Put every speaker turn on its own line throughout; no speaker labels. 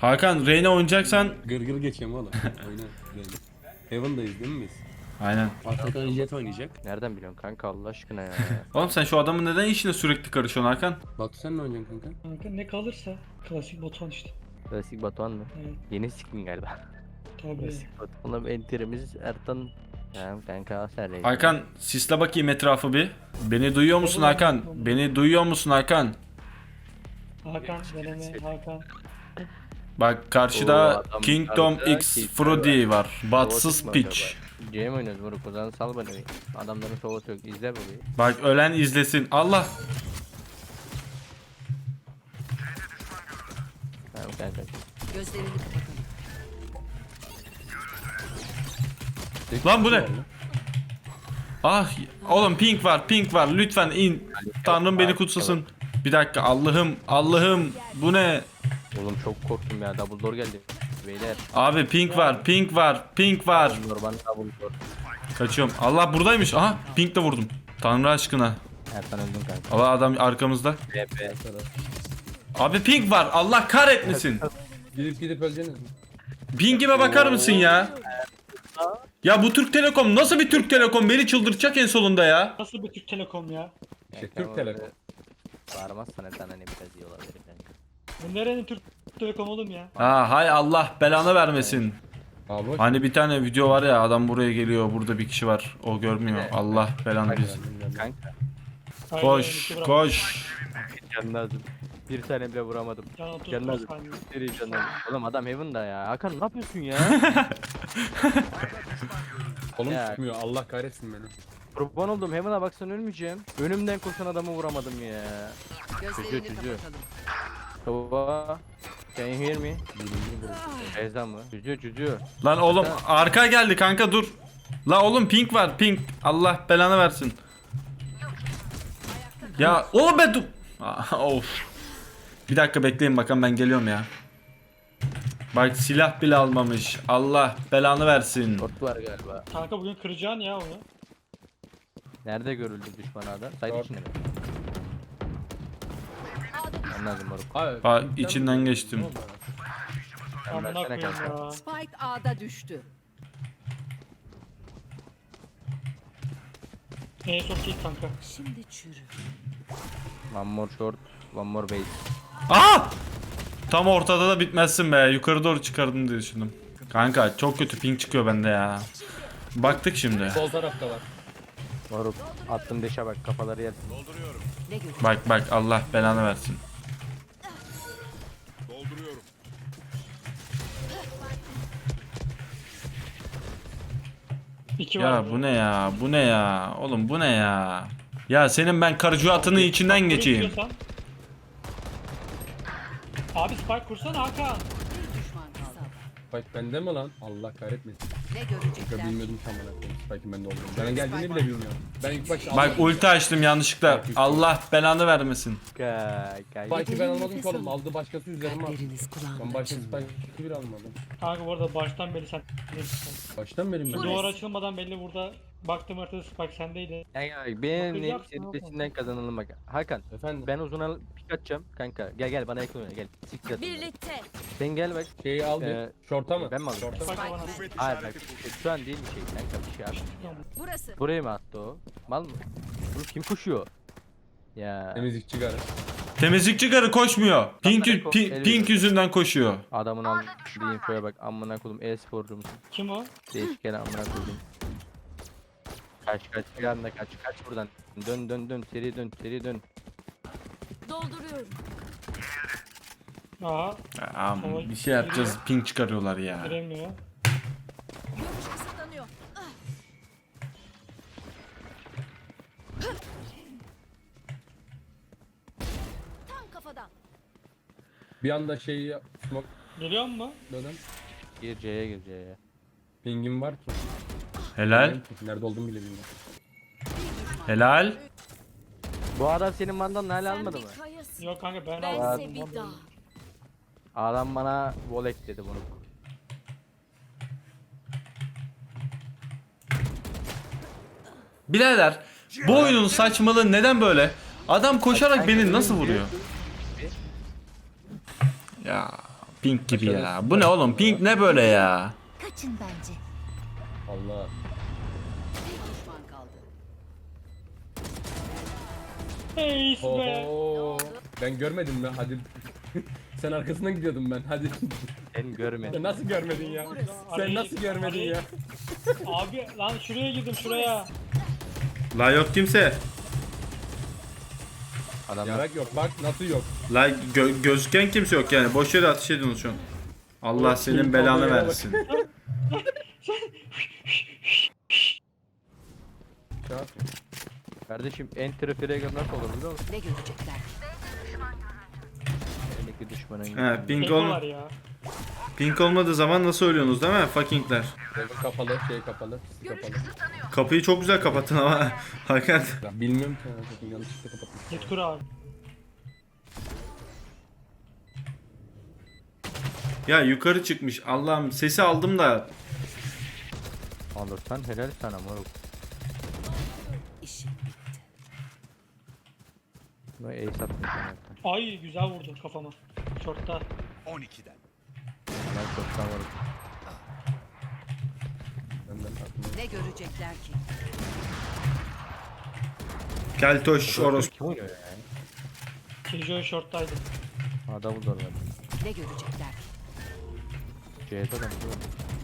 Hakan Reyna oynayacaksan.
Gırgır geçeyim oğlum. Oyna. Heaven'dayız değil mi biz?
Aynen.
Arkadan Jet oynayacak.
Nereden biliyorsun kanka Allah aşkına ya.
Oğlum sen şu adamın neden işine sürekli karışıyorsun Hakan?
Batu sen ne oynayacaksın kanka?
Kanka ne kalırsa klasik Batuhan işte.
Klasik Batuhan mı?
Evet.
Yeni skin galiba.
Tabii.
Klasik Batuhan'la enterimiz Ertan. Ya kanka sen reis.
Hakan sisle bakayım etrafı bir. Beni duyuyor musun Hakan? Beni duyuyor musun Hakan?
Hakan deneme Hakan.
Bak karşıda
Oo, adam
Kingdom
karşıda
X
Kingdom
Frodi var.
Sova
Batsız
çıkma
piç.
acaba? C mi oynuyoruz moruk? O zaman sal bana bir. Adamların soğutu yok. İzle bu bir.
Bak ölen izlesin. Allah.
Tamam kanka.
Gözlerini kapatalım.
Lan bu ne? Ah oğlum pink var pink var lütfen in. Tanrım beni kutsasın. Bir dakika Allah'ım bu ne?
Oğlum çok korktum ya. Double door geldi. Beyler.
Abi pink var pink var pink var.
Double door bana double door.
Kaçıyorum. Allah buradaymış. Aha pink de vurdum. Tanrı aşkına.
Ertan öldün kanka.
Allah adam arkamızda.
BP.
Abi pink var. Allah kahretmesin.
Gidip öleceksiniz mi?
Pink'ime bakar mısın ya? Ya bu Türk Telekom nasıl bir Türk Telekom? Beni çıldırtacak en sonunda ya.
Nasıl bir Türk Telekom ya?
Türk Telekom.
Bağırmazsan Ertan hani biraz iyi olabilir kanka.
Bu nerenin Türk Telekom oğlum ya?
Ha hay Allah belanı vermesin.
Abi boş.
Hani bir tane video var ya adam buraya geliyor burada bir kişi var o görmüyor. Allah belanı biz.
Kanka.
Haydi,
Koş
iki bırak.
koş.
Can lazım. Bir tane bile vuramadım.
Can otuz
Can lazım.
saniye.
Seri can lazım. Oğlum adam Heaven'da ya. Hakan ne yapıyorsun ya?
Kolum
Ya.
çıkmıyor. Allah kahretsin beni.
Kurban oldum Heaven'a baksan ölmeyeceğim. Önümden koşan adamı vuramadım ya.
Gözlerini
Çözüyor.
kapatalım.
Baba. Can you hear me? Ezan mı? Çözüyor.
Lan oğlum arka geldi kanka dur. La oğlum pink var pink. Allah belanı versin. Ya oğlum ben dur. Of. Bir dakika bekleyin bakalım ben geliyorum ya. Bak silah bile almamış. Allah belanı versin.
Short var galiba.
Kanka bugün kıracaksın ya onu.
Nerede görüldü düşman adam? Saydı
Short.
içinde mi? Ben lazım moruk.
Abi.
Bak içinden geçtim.
Ben
Amına
versene
koyayım
kanka.
ya.
Spike A'da düştü.
En son kill kanka.
Şimdi çürü.
One more short. One more base.
Aa! Tam ortada da bitmezsin be. Yukarı doğru çıkardın diye düşündüm. Kanka çok kötü ping çıkıyor bende ya. Baktık şimdi.
Sol tarafta var.
Moruk. Attım deşe bak kafaları yersin.
Ne görüyor?
Bak Allah belanı versin.
İki var.
Ya bu ne ya? Bu ne ya? Oğlum bu ne ya? Ya senin ben karıcuatının içinden geçeyim.
İstiyorsan. Abi spike kursana Hakan.
Bir düşman kaldı.
Spike bende mi lan? Allah kahretmesin.
Ne
Ya
görecekler?
bilmiyordum tam olarak. Spike'in bende olduğunu. Ben geldiğini bile bilmiyorum. Ben ilk başta
Bak ulti açtım yanlışlıkla. Allah belanı vermesin.
Spike'ı ben almadım ki oğlum. Aldı başkası üzerime attı.
Kalpleriniz
Ben
kulağımda
başta
çınlıyor.
Spike'ı bile almadım.
Kanka bu arada baştan beri sen.
Baştan beri mi?
Şu duvar açılmadan belli burada baktım haritada spike sendeydi.
Benim
Bakacağım,
serisinden kazanalım bak. Hakan
Efendim
ben uzuna pik atacağım kanka. Gel bana yakın oyna gel. Siktir at.
Birlikte.
Sen gel bak.
şeyi aldı. Şorta mı?
Ben mi aldım?
Şorta mı?
Spike bana.
Hayır bak şu an değil bir şey kanka bir şey abi.
Burası.
Buraya mı attı o? Mal mı? Bu kim koşuyor? Ya
Temizlikçi garı.
Temizlikçi karı koşmuyor. Pink yüzünden koşuyor.
adamın aldığı infoya bak amına koydum e-sporcu musun?
Kim o?
Değişken amına koydum. Kaç bir anda kaç buradan. Dön seri dön.
Dolduruyorum.
Aha
Aman bir şey yapacağız. Pink çıkarıyorlar ya.
giremiyor.
Görüş kısıtlanıyor. Tam kafadan.
Bir anda şeyi smoke
Geliyor mu?
dönem.
Gir C'ye.
Pingim var ki.
Helal.
Nerede olduğumu bile bilmiyorum.
Helal.
Bu adam senin mandan hala almadı mı?
Yok kanka ben
Bense
aldım.
bir dağ.
Adam bana volek dedi bunu.
Birader bu oyunun saçmalığı neden böyle? Adam koşarak beni nasıl vuruyor? Ya Pink gibi ya. Bu ne oğlum? Pink ne böyle ya?
Kaçın bence.
Allah.
Bir düşman kaldı.
Hey be.
Oho. Ben görmedim mi? Hadi. Sen arkasından gidiyordum ben. Hadi.
Ben görmedim.
Sen nasıl görmedin ya? Sen nasıl görmedin ya?
Abi lan şuraya girdim şuraya.
La yok kimse.
Adamlar
Yarak yok. Bak nasıl yok.
La gözüken kimse yok yani. Boş yere ateş ediyorsunuz şu an. Allah senin belanı versin.
Çağır.
kardeşim enter fragger nasıl olur biliyor musun?
Ne görecekler?
Eldeki düşmanın
He, pink,
Eko var ya.
pink olmadığı zaman nasıl ölüyorsunuz değil mi? Fuckingler.
Kapalı, kapalı. Kapalı.
Kapıyı çok güzel kapattın ama. Hakan.
Ya bilmiyorum ki. Zaten yanlışlıkla kapattım.
Git kur abi.
Ya yukarı çıkmış. Allah'ım sesi aldım da.
alırsan helal sana moruk.
İşim bitti.
Bu ace attın sen.
Ay güzel vurdun kafama. Şortta.
12'den.
Ben çoktan moruk.
Benden aklımda.
Ne görecekler ki?
Keltoş oros.
Kim oynuyor ya?
Killjoy şorttaydı.
Ha double door var.
Ne görecekler ki?
C'de adam değil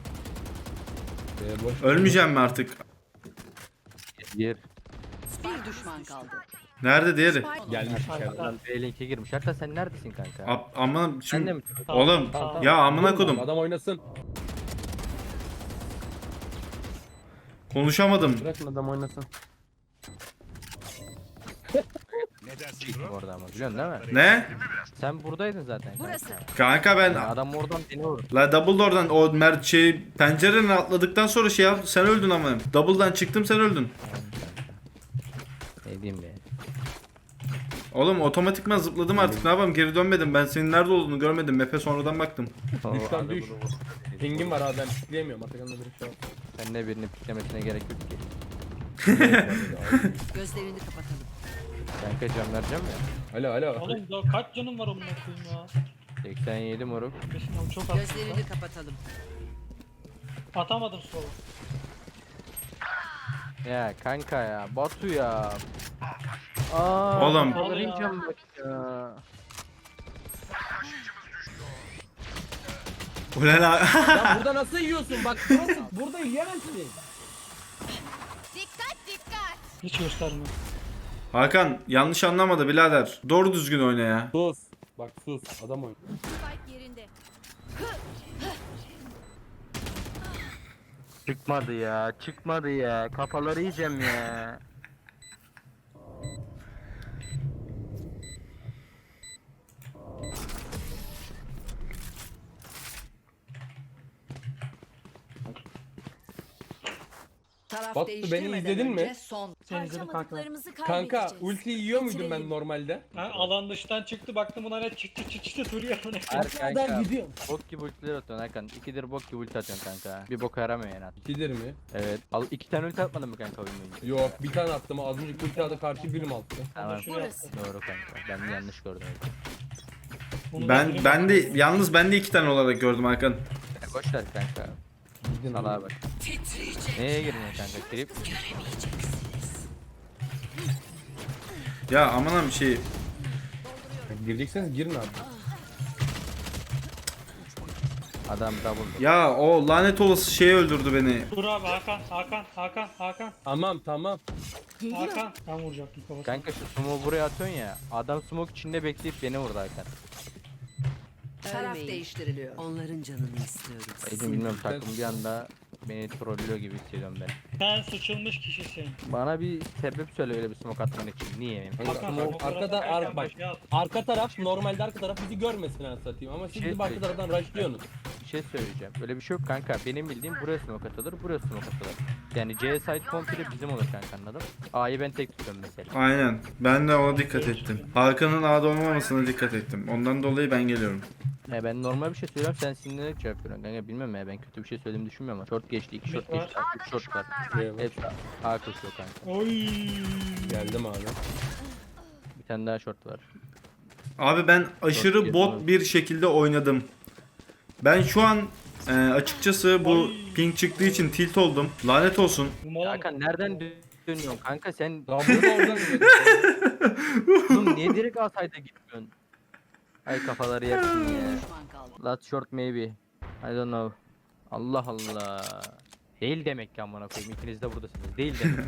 mi?
Boş.
Ölmeyeceğim mi artık?
Diğer.
Bir düşman kaldı.
Nerede diğeri?
Gelmiş içeride.
Adam B-Link'e girmiş. Hatta sen neredesin kanka?
Aman
Sen de
şimdi.
mi?
Oğlum
Tamam.
ya amına kodum.
Adam oynasın.
Konuşamadım.
Bırakın adam oynasın.
Ne dersin
Çıktı
bro?
orada ama biliyorsun değil mi?
Ne?
Sen buradaydın zaten.
Burası.
Kanka ben
Adam oradan beni vurdu.
la Dumbledore'dan o pencereden atladıktan sonra şey yap sen öldün ama. Double'dan çıktım sen öldün.
Ne diyeyim be?
Oğlum otomatikman zıpladım artık ne yapayım geri dönmedim ben senin nerede olduğunu görmedim map'e sonradan baktım.
Düş lan,
adamı
düş.
vurdu.
Pingim var abi ben pikleyemiyorum. Atakan'da bir şey var.
Sen de birini piklemesine gerek yok ki.
Gözlerini kapatalım.
Kanka can vereceğim ya.
Alo alo.
Oğlum daha kaç canım var onun koyayım ya.
87 moruk.
Kesin oğlum çok az.
Gözlerini kapatalım.
Atamadım solu.
Ya kanka ya. Batu ya. Aa,
Oğlum.
Arayacağım bak ya.
Ulan
Ya burada nasıl yiyorsun? Bak burada yiyemezsin.
Dikkat dikkat.
Hiç göstermiyor.
Hakan yanlış anlamadı birader. Doğru düzgün oyna ya.
Sus. Bak sus. Adam oynuyor.
Spike yerinde.
Çıkmadı ya. Çıkmadı ya. Kafaları yiyeceğim ya.
Taraf
Batu, beni
değiştirmeden
izledin mi?
önce Son.
Sen izledin kanka.
Harcamadıklarımızı
Kanka
kaybedeceğiz.
ulti yiyor muydum ben
Bitirelim.
normalde?
Ha, alan dıştan çıktı baktım buna ne çıktı duruyor.
Her kanka.
gidiyorum.
Bok gibi ultiler atıyorsun Hakan. İkidir bok gibi ulti atıyorsun kanka. Bir boka yaramıyor yani.
İkidir mi?
Evet. Al 2 tane ulti atmadın mı kanka oyun boyunca?
Yok bir tane attım az önce ulti adı karşı birim attı.
Tamam.
Burası.
Doğru kanka. Ben yanlış gördüm.
Ben de yalnız ben de 2 tane olarak gördüm Hakan.
Ya boş ver kanka.
Gidin
Salaha bak. Neye girmiyor kanka? Trip.
Ya aman bir şey.
Girecekseniz girin abi.
Adam double.
Ya o lanet olası şey öldürdü beni.
Dur abi Hakan.
Tamam.
Hakan. Ben vuracaktım kafasına.
Kanka şu smoke'u buraya atıyorsun ya. Adam smoke içinde bekleyip beni vurdu Hakan.
Taraf değiştiriliyor. Onların canını istiyoruz.
Eğitim bilmiyorum takım bir anda beni trollüyor gibi hissediyorum ben.
Sen sıçılmış kişisin.
Bana bir sebep söyle öyle bir smoke atman için. Niye?
Hakan,
Hakan,
arkada
Hakan,
bak.
ya.
Arka taraf normalde arka taraf bizi görmesin ben satayım ama siz
Şey
bizim arka taraftan rushlıyorsunuz.
Bir şey söyleyeceğim. Öyle bir şey yok kanka. Benim bildiğim buraya smoke atılır, buraya smoke atılır. Yani C site komple bizim olur kanka anladın? A'yı ben tek tutuyorum mesela.
Aynen. Ben de ona dikkat ettim. Hakan'ın A'da olmamasına dikkat ettim. Ondan dolayı ben geliyorum.
Ben normal bir şey söylüyorum sen sinirlenerek cevap veriyorsun kanka bilmem ya ben kötü bir şey söylediğimi düşünmüyorum ama short geçti 2 short
Var.
geçti 3 short var.
Eyvallah.
Hepsi A koşuyor kanka.
Oy.
Geldim abi.
Bir tane daha short var.
Abi ben aşırı bot bir şekilde oynadım. Ben şu an açıkçası bu ping çıktığı için tilt oldum. Lanet olsun.
Bu mola mı?
Kanka nereden dönüyorsun kanka sen?
Lan burada oradan
Oğlum niye direkt asayda gitmiyorsun? Ay kafaları yaksın ya.
Düşman kaldı.
Last short maybe. I don't know. Allah Allah. Değil demek ki amına koyayım. İkiniz de buradasınız. Değil demek.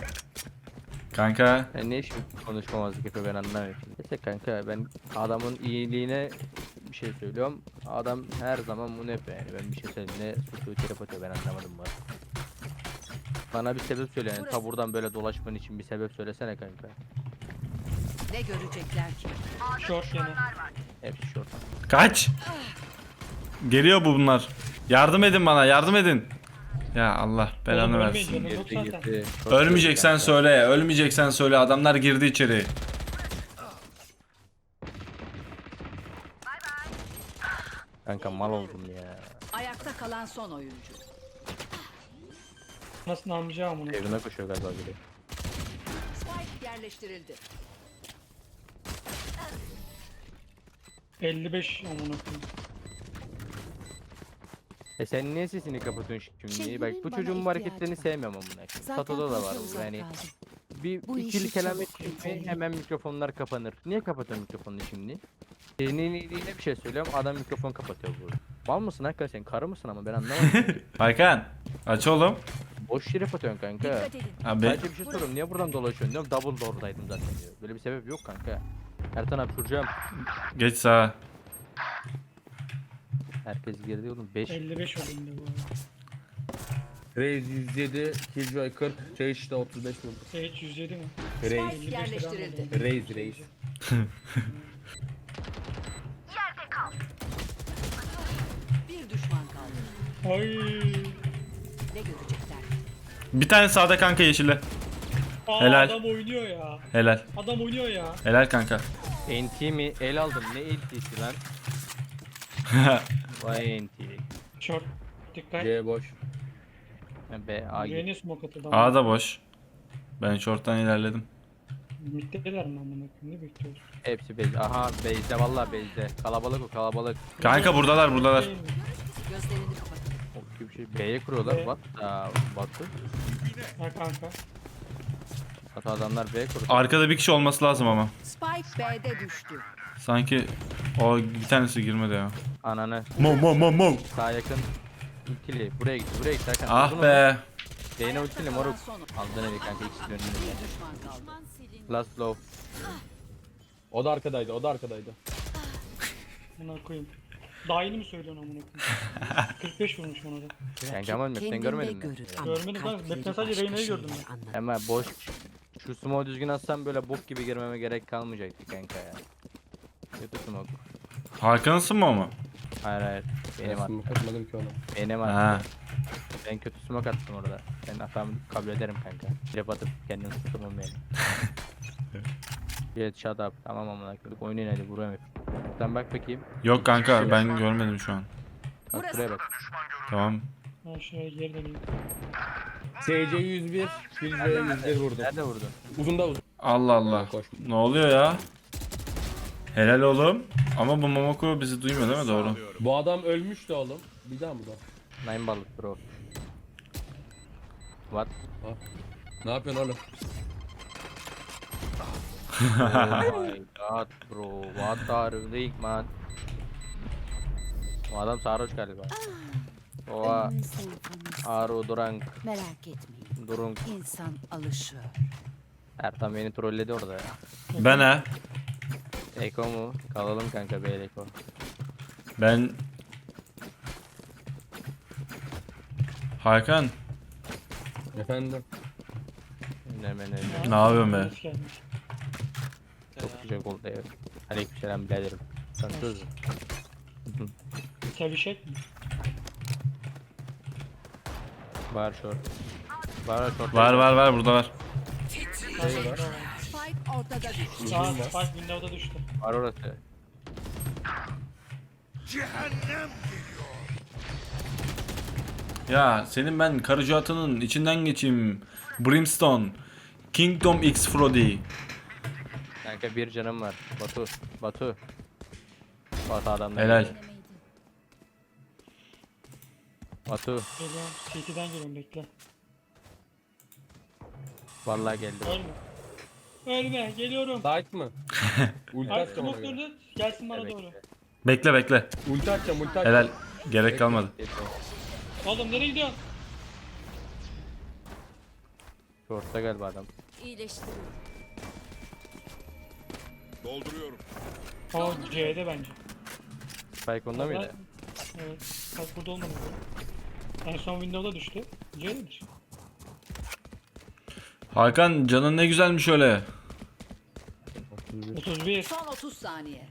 Kanka
Yani ne şimdi konuşmamazlık yapıyor ben anlamıyorum. Neyse kanka ben adamın iyiliğine bir şey söylüyorum. Adam her zaman bunu yapıyor yani. Ben bir şey söyleyeyim ne suçu trip atıyor ben anlamadım bu. Bana bir sebep söyle yani. Ta buradan böyle dolaşman için bir sebep söylesene kanka.
Ne görecekler ki?
Short yine.
Hepsi short.
kaç. Geliyor bunlar. Yardım edin bana, yardım edin. Ya Allah belanı
Oğlum
versin.
ölmeyin canım, yok zaten.
Short
Ölmeyeceksen
kanka.
söyle, ölmeyeceksen söyle. Adamlar girdi içeri.
Kanka mal oldum ya.
Ayakta kalan son oyuncu.
Nasıl amcam bunu?
Evine koşuyor galiba biri.
Spike yerleştirildi.
55 amına koyayım.
Sen niye sesini kapatıyorsun şimdi?
Şehrimin
Bak bu
bana
çocuğun bu
ihtiyacı
hareketlerini
var.
sevmiyorum amına koyayım.
Zaten
Sato'da da var
fazla
bu
uzak
yani.
kaldım.
Bir
Bu
ikili
işi
kelam
çabuk
ettin mi
bitirelim.
hemen mikrofonlar kapanır. Niye kapatıyorsun mikrofonunu şimdi? Senin iyiliğine bir şey söylüyorum adam mikrofon kapatıyor bu. Mal mısın hakikaten sen karı mısın ama ben anlamadım.
Hakan aç oğlum.
Boş şerif atıyorsun kanka.
Dikkat edin.
Abi
Sadece bir şey soruyorum niye buradan dolaşıyorsun diyorum double door'daydım zaten diyor. Böyle bir sebep yok kanka. Ertan abi soracağım.
geç sağa.
Herkes girdi oğlum 5.
55 olayım da bu arada.
Raze 107, Killjoy 40, Sage de 35 vurdu.
Sage 107 mi?
Raze,
Spike yerleştirildi.
Raze.
Bir düşman kaldı.
Ay.
Ne görecekler?
Bir tane sağda kanka yeşille.
Aa,
Helal.
Adam oynuyor ya.
Helal.
Adam oynuyor ya.
Helal kanka.
NT mi? El aldım ne NT'si lan? Vay NT.
Short. Dikkat.
C boş.
B A
Yeni smoke atıldı.
A da boş. Ben short'tan ilerledim.
Mitteler mi amına koyayım? Ne bekliyoruz?
Hepsi base. Aha base'de vallahi base'de. Kalabalık o kalabalık.
Kanka buradalar buradalar.
Değil mi?
Gözlerini kapatın.
O gibi bir şey. B'ye kuruyorlar.
B.
What? Batı.
Ha kanka.
Hatta adamlar B kurdu.
Arkada bir kişi olması lazım ama.
Spike B'de düştü.
Sanki o bir tanesi girmedi ya.
Ananı.
Mo.
Sağ yakın. Ultili. Buraya gitti. Buraya gitti. Hakan.
Ah
Vurdun
be.
onu. B'ne ultili
Kalan
moruk.
son.
Aldın evi kanka ikisi de önünde.
Bir düşman kaldı.
Last low.
O da arkadaydı, o da arkadaydı.
Amına koyayım. Daha yeni mi söylüyorsun amına koyayım? 45 vurmuş ona da.
Kanka ama map'ten
Kendinde
görmedin mi?
görür ama
Görmedim ben.
kalpleri
Map'ten sadece
başka
Reyna'yı gördüm
şeyler
ben.
anlar.
Ama boş. Şu smoke düzgün atsam böyle bok gibi girmeme gerek kalmayacaktı kanka ya. Kötü smoke.
Hakan'sın mı o mu?
Hayır hayır. Benim
Ben
attım.
katmadım ki ona.
Benim
Ha.
attım. Ben kötü smoke attım orada. Ben hatamı kabul ederim kanka. Trap atıp kendimi tutamam yani. Evet shut up. Tamam amına koyduk. Oynayın hadi vuruyorum hep. Sen bak bakayım.
Yok kanka ben görmedim şu an.
Bak buraya bak.
Tamam.
Ha şuraya geri döneyim.
SC 101, Killjoy 101 vurdu.
Nerede vurdun?
Uzun da uzun.
Allah Allah.
Koş.
Ne oluyor ya? Helal oğlum. Ama bu Momoko bizi duymuyor değil mi? Doğru.
Bu adam ölmüştü oğlum. Bir daha mı da?
Nine balık bro. What?
Ne yapıyorsun oğlum?
Oh my god bro. What are you doing man? O adam sarhoş galiba. Oha.
Ölüm senfonisi.
Aru Durang.
Merak etmeyin.
Durung.
İnsan alışıyor.
Ertan beni trolledi orada ya.
Ben ha.
Eko mu? Kalalım kanka be Eko.
Ben... Hakan.
Efendim.
Hemen
Ne yapıyorsun be?
Hoş gelmiş.
çok güzel oldu ya. Aleykümselam biraderim. Tanışıyoruz mu?
Sevişek mi?
Var short. Var short.
Var burada var.
Spike ortada düştü.
Aa Spike Windows'da düştü.
Var orası.
Cehennem
Ya senin ben karıcı atının içinden geçeyim. Brimstone. Kingdom X Frodi.
Kanka bir canım var. Batu. Batu. Batu adamlar.
Helal.
geliyor. Batu
Geliyorum. CT'den geliyorum bekle.
vallahi geldi.
Ölme. Ölme. Geliyorum.
Sait mı? Ulti
Ay
atacağım ona
smoke
göre.
döndü. Gelsin bana
Evet.
doğru.
Bekle bekle.
Ulti atacağım, ulti atacağım.
Helal. Gerek kalmadı.
Oğlum nereye gidiyorsun?
Short'ta galiba adam.
İyileştiriyorum.
Dolduruyorum.
O C'de bence.
Spike onda mıydı?
Evet. Bak burada olmadı. En son Windows'a düştü. C'dedir.
Hakan canın ne güzelmiş öyle.
31.
Son 30 saniye.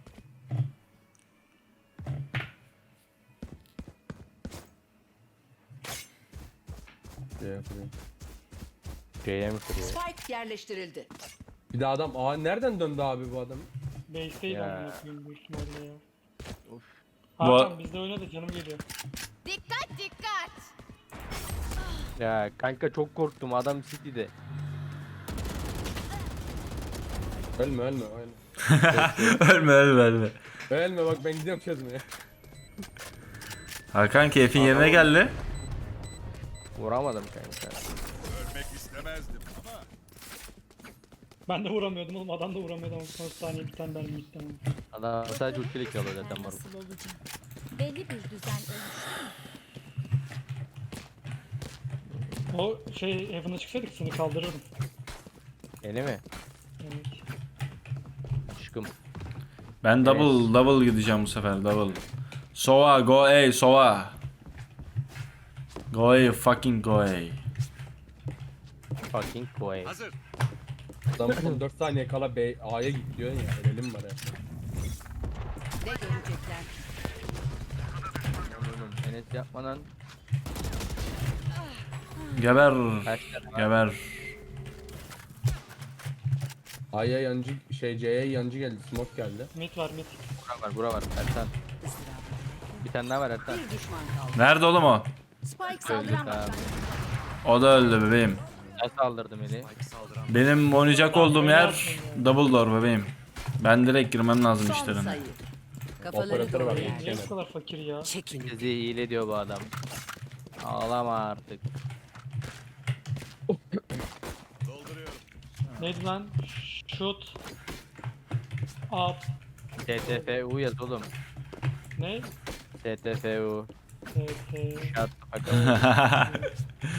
Şey yapayım.
C'ye mi kırıyor?
Spike yerleştirildi.
Bir de adam nereden döndü abi bu adam?
Base'teydi
Ya.
amına koyayım büyük ihtimalle ya.
Of.
Hakan bizde oynadı canım geliyor.
Dikkat dikkat.
Ya kanka çok korktum adam City'de.
Ölme ölme ölme.
ölme ölme ölme.
Ölme bak ben gidiyorum çözmeye.
Hakan keyfin yerine geldi.
Vuramadım kanka.
Ölmek istemezdim ama
Ben de vuramıyordum oğlum adam da vuramıyordu ama son saniye bir tane mermi gitti ama.
Adam sadece ultiyle kalıyor zaten var.
Nasıl olacak? Belli bir düzen oluştu.
O şey Heaven'a çıksaydık seni kaldırırdım.
Yeni mi?
Evet.
Aşkım.
Ben double gideceğim bu sefer double. Sova go A Sova. Go A fucking go A.
Fucking boy.
hazır.
Adam son 4 saniye kala A'ya git diyor ya. Ölelim var ya.
Ne görecekler?
Oğlum Enes yapmadan
Geber.
kaç tane var?
Geber.
A'ya yancı C'ye yancı geldi. Smoke geldi.
Mid var mid.
Bura var Ertan.
Izdırap.
Bir tane daha var Ertan.
Bir düşman kaldı.
Nerede oğlum o?
Spike
Öldü
saldıran
tamam.
O da öldü bebeğim.
Ben saldırdım eli.
Benim oynayacak olduğum yer double door bebeğim. Ben direkt girmem lazım
Son
işlerine.
sayı. Kafaları
Operatörü var,
doğru
bir
yerde.
Niye bu kadar fakir ya?
Çekilin.
Bizi hile diyor bu adam. Ağlama artık.
Dolduruyorum.
Neydi lan? Shoot. Up.
TTFU yaz oğlum.
Ne?
TTFU.
TT.
Shut the fuck up.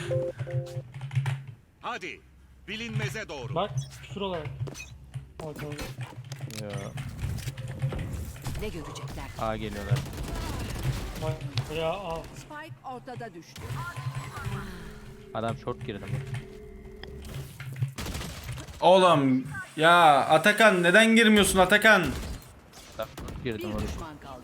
Hadi. Bilinmeze doğru.
Bak küfür olarak. Bakalım.
Yo.
Ne görecekler?
A geliyorlar.
Bak ya al.
Spike ortada düştü.
Adam short girdi mi?
Oğlum ya Atakan neden girmiyorsun Atakan?
Short girdim
Bir
oğlum.
düşman kaldı.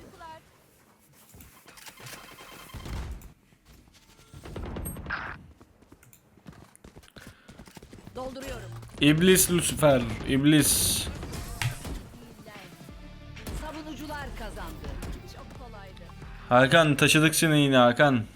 Dolduruyorum.
İblis Lucifer, iblis.
Savunucular kazandı. Çok kolaydı.
Hakan taşıdık seni yine Hakan.